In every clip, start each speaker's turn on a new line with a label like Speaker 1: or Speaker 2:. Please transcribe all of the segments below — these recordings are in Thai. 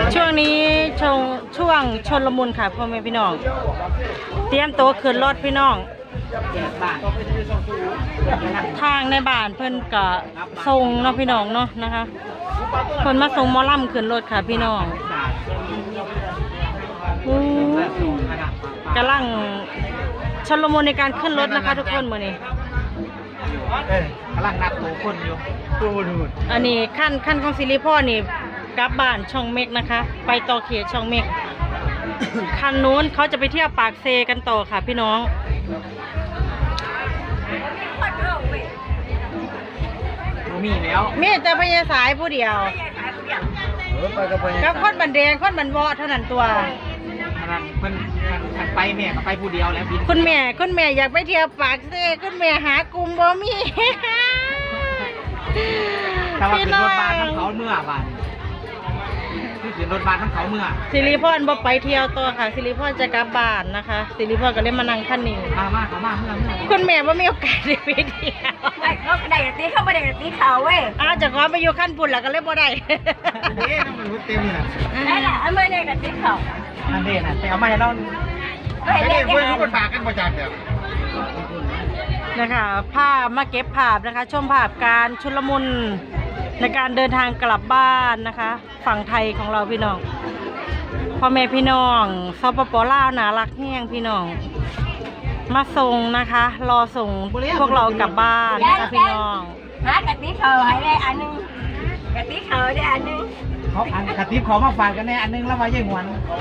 Speaker 1: ช่วงนี้ช่วงชนละมุนค่ะพ่อแม่พี่น้องเตรียมตัวขึ้นรถพี่น้องทางในบ้านเพิ่นกะส่งเนาะพี่น้องเนาะนะคะเพิ่นมาส่งหมอลำขึ้นรถค่ะพี่น้องกำลังชลมุนในการขึ้นรถนะคะทุกคนมื้อนี้
Speaker 2: กำลังนับตัวคนอยู่
Speaker 1: อันนี้ขั้นของซิริพ่อนี่กลับบ้านช่องเมกนะคะไปต่อเขตช่องเมกคันนู้นเขาจะไปเที่ยวปากเซกันต่อค่ะพี่น้อง
Speaker 2: มีแล้ว
Speaker 1: มีแต่พญาสายผู้เดียวกับคนบันแดงคนบันวอเท่านั้นตัว
Speaker 2: เพิ่นไปแม่ก็ไปผู้เดียวแล้ว
Speaker 1: คุณแม่อยากไปเที่ยวปากเซคุณแม่หากลุ่มบ่มี
Speaker 2: แต่ว่าขึ้นรถบัสทั้งเขาเมื่อบ้านขึ้นรถบัสทั้งเขาเมื่อ
Speaker 1: สิริพรบ่ไปเที่ยวต่อค่ะสิริพรจะกลับบ้านนะคะสิริพรก็เลยมานั่งคันนี้
Speaker 2: มาเมื่อ
Speaker 1: คุณแม่ว่ามีโอกาสได้ไปเที่ยว
Speaker 3: เขาได้ตีเข้าไปได้ตีเขาเว้ย
Speaker 1: จะขอไปอยู่ขั้นปุ่นแล้วก็เลยบ่ได้
Speaker 2: นี่ต้องมันเต็มเลย
Speaker 3: นั่นแหละไม่ได้ตีเขา
Speaker 2: อันนี้นะแต่เอามาให้เราไม่ได้เพื่อนทุกคนฝากกันประจำเดียว
Speaker 1: นะคะภาพมาเก็บภาพนะคะชมภาพการชุลมุนในการเดินทางกลับบ้านนะคะฝั่งไทยของเราพี่น้องพ่อแม่พี่น้องสปป.ลาวน่ารักแห้งพี่น้องมาส่งนะคะรอส่งพวกเรากลับบ้านนะคะพี่น้อง
Speaker 3: หากะติเขาให้ได้อันนึงกะติเขาได้อันนึง
Speaker 2: เขากะติขอมาฝากกันแน่อันนึงแล้วมาเยี่ยงหวน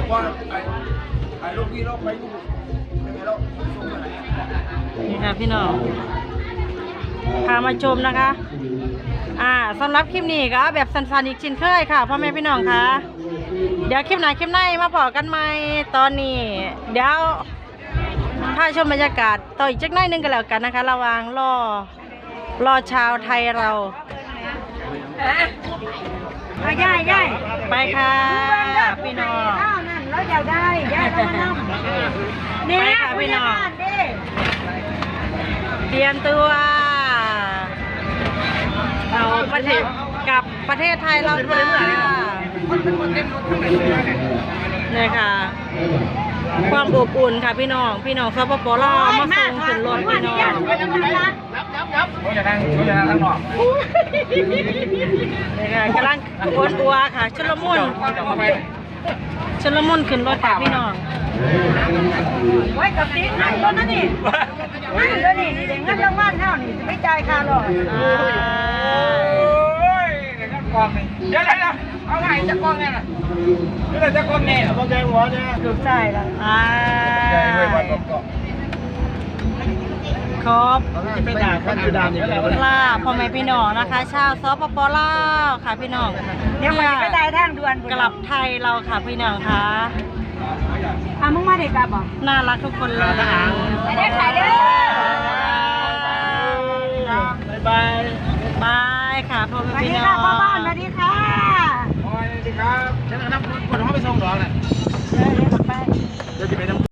Speaker 1: นี่ค่ะพี่น้องพามาชมนะคะสำหรับคลิปนี้ก็แบบสั้นๆอีกชิ้นเคยค่ะพ่อแม่พี่น้องคะเดี๋ยวคลิปไหนมาพอกันใหม่ตอนนี้เดี๋ยวพาชมบรรยากาศต่ออีกจักหน่อยนึงกันแล้วกันนะคะระหว่างรอชาวไทยเรา
Speaker 3: ย่าย
Speaker 1: ไปค่ะพี่น้อง
Speaker 3: นั่นเราอยากได้ย่ายต้องนั่ง
Speaker 1: นี่ค่ะพี่น้องเตรียมตัวเรากับประเทศไทยเราค่ะนี่ค่ะความอบอุ่นค่ะพี่น้องสปป.ลาวมาส่งขึ้นรถพี่น้อง
Speaker 2: เขาจะนั่งข้างนอก
Speaker 1: นี่ค่ะกำลังอัวค่ะชุลมุนขึ้นรถค่ะพี่น้อง
Speaker 3: ไว้กับติ๊กนั่งรถนั่นนี่นั่นนี่เด็กงั้นรางวัลเท่านี่ไม่จ่ายค่ารถ
Speaker 2: กองเดี๋ยวเอาไงจะกองเนี่ยนี่จะกองเนี่ยกองใจหัวเนี่ย
Speaker 1: ถูกใจแล้วครบลาพ่อแม่พี่น้องนะคะชาวสปป.ลาวค่ะพี่น้อง
Speaker 3: เดี๋ยวมันไปได้ทางด่วน
Speaker 1: กลับไทยเราค่ะพี่น้องค่ะ
Speaker 3: มึงมาเด็กกลับบ่
Speaker 1: น่ารักทุกคนเลย
Speaker 3: ไปเด้อถ่ายเด้
Speaker 1: อบายค่ะพ่อแม่พี่น้อง
Speaker 3: พ่อบ้านสวัสดีค่ะ
Speaker 2: สวัสดีครับฉันเอาน้ำคนเขาไปส่งหรอแหละ
Speaker 3: เดี๋ยวไป
Speaker 2: จะไปน้ำ